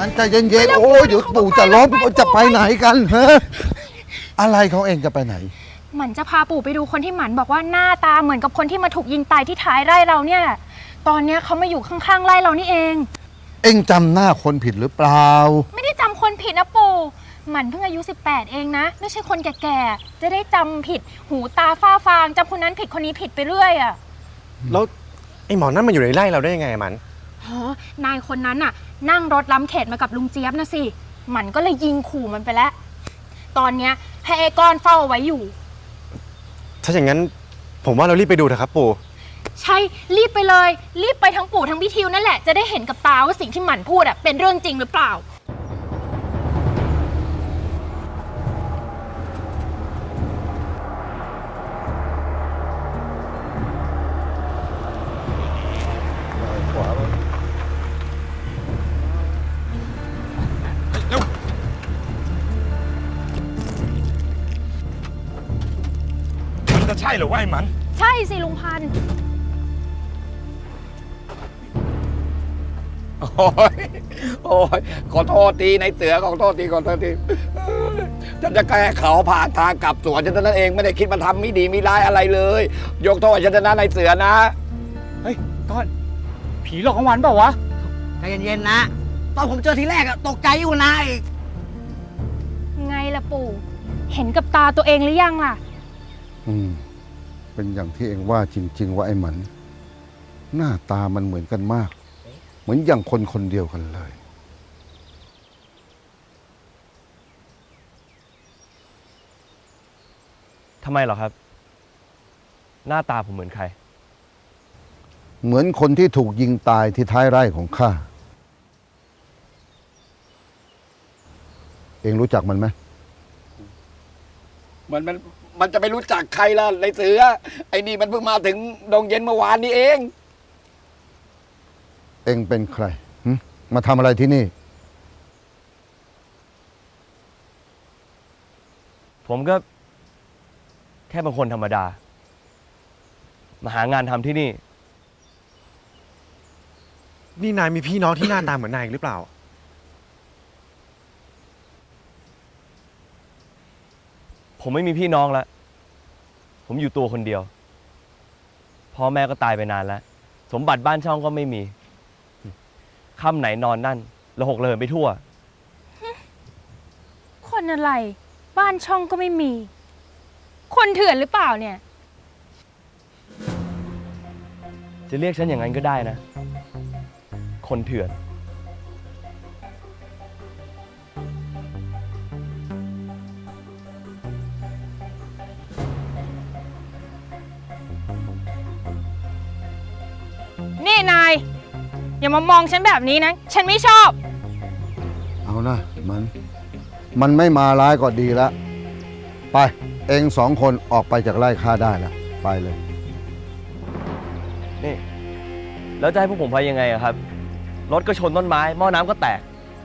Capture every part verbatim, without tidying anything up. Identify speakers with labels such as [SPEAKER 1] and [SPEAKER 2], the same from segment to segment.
[SPEAKER 1] มันใจเย็นๆโอ้ยเดี๋ยวปู่จะล้มจะไปไหนกันฮะอะไรของเองจะไปไหน
[SPEAKER 2] หมันจะพาปู่ไปดูคนที่หมันบอกว่าหน้าตาเหมือนกับคนที่มาถูกยิงตายที่ท้ายไร่เราเนี่ยแหละตอนนี้เขามาอยู่ข้างๆไร่เรานี่เอง
[SPEAKER 1] เองจำหน้าคนผิดหรือเปล่า
[SPEAKER 2] ไม่ได้จำคนผิดนะปู่หมันเพิ่งอายุสิบแปดเองนะไม่ใช่คนแก่ๆจะได้จำผิดหูตาฝ้าฟางจำคนนั้นผิดคนนี้ผิดไปเรื่อยอ่ะ
[SPEAKER 3] แล้วไอ้หมอนั่นมันอยู่ในไร่เราได้ยังไงมัน
[SPEAKER 2] ฮะนายคนนั้นน่ะนั่งรถล้ำเขตมากับลุงเจี๊ยบนะสิหมันก็เลยยิงขู่มันไปแล้วตอนเนี้ยให้ไอ้ก้อนเฝ้าเอาไว้อยู่
[SPEAKER 3] ถ้าอย่างนั้นผมว่าเรารีบไปดูเถอะครับปู่
[SPEAKER 2] ใช่รีบไปเลยรีบไปทั้งปู่ทั้งพี่ทิวนั่นแหละจะได้เห็นกับตาว่าสิ่งที่หมันพูดอะเป็นเรื่องจริงหรือเปล่า
[SPEAKER 4] จะใช่หรือว่าไอ้มัน
[SPEAKER 2] ใช่สิลุงพันธุ์
[SPEAKER 4] โอ้ยโอ้ยขอโทษทีในเสือขอโทษทีขอโทษทีฉันจะแก้เขาผ่านทางกลับสวนฉันนั่นเองไม่ได้คิดมาทำไม่ดีไม่ร้ายอะไรเลยยกโทษฉันนะในเสือนะ
[SPEAKER 5] เฮ้ยก้อนผีหลอกของวันเปล่าวะ
[SPEAKER 6] ใจเย็นๆนะตอนผมเจอทีแรกอะตกใจอยู่นะอีก
[SPEAKER 2] ไงล่ะปู่เห็นกับตาตัวเองหรือยังล่ะ
[SPEAKER 1] อืมเป็นอย่างที่เองว่าจริงๆว่าไอ้หมันหน้าตามันเหมือนกันมากเหมือนอย่างคนคนเดียวกันเลย
[SPEAKER 7] ทำไมเหรอครับหน้าตาผมเหมือนใคร
[SPEAKER 1] เหมือนคนที่ถูกยิงตายที่ท้ายไร่ของข้าเองรู้จักมันไหม
[SPEAKER 4] มันมันมันจะไปรู้จักใครล่ะในเสือไอ้นี่มันเพิ่งมาถึงดงเย็นเมื่อวานนี้เอง
[SPEAKER 1] เองเป็นใครมาทำอะไรที่นี่
[SPEAKER 7] ผมก็แค่เป็นคนธรรมดามาหางานทำที่นี่
[SPEAKER 3] นี่นายมีพี่น้องที่หน้าตาเหมือนนายหรือเปล่า
[SPEAKER 7] ผมไม่มีพี่น้องแล้วผมอยู่ตัวคนเดียวพ่อแม่ก็ตายไปนานแล้วสมบัติบ้านช่องก็ไม่มีค่ำไหนนอนนั่นระหกระเหินไปทั่ว
[SPEAKER 2] คนอะไรบ้านช่องก็ไม่มีคนเถื่อนหรือเปล่าเนี่ย
[SPEAKER 7] จะเรียกฉันอย่างนั้นก็ได้นะคนเถื่อน
[SPEAKER 2] นี่นายอย่ามามองฉันแบบนี้นะฉันไม่ชอบ
[SPEAKER 1] เอานะมันมันไม่มาร้ายก็ดีแล้วไปเองสองคนออกไปจากไร่ข้าได้แล้วไปเลย
[SPEAKER 7] นี่แล้วจะให้พวกผมไปยังไงอะครับรถก็ชนต้นไม้หม้อน้ำก็แตก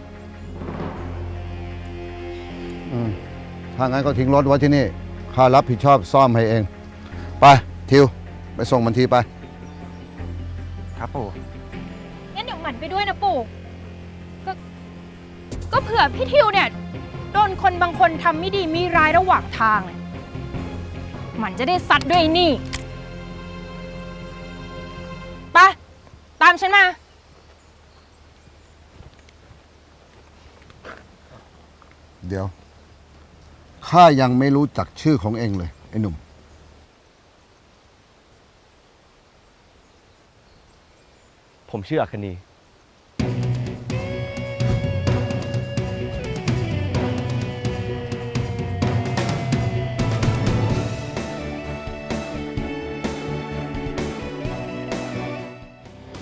[SPEAKER 1] อืมถ้างั้นก็ทิ้งรถไว้ที่นี่ข้ารับผิดชอบซ่อมให้เองไปทิวไปส่งมันทีไป
[SPEAKER 3] ครับปู่
[SPEAKER 2] งั้นเดี๋ยวหมันไปด้วยนะปู่ก็ก็เผื่อพี่ทิวเนี่ยโดนคนบางคนทำไม่ดีไม่ร้ายระหว่างทางหมันจะได้ซัดด้วยนี่ไปตามฉันมา
[SPEAKER 1] เดี๋ยวข้ายังไม่รู้จักชื่อของเองเลยไอ้หนุ่ม
[SPEAKER 7] ผมชื่ออัคนี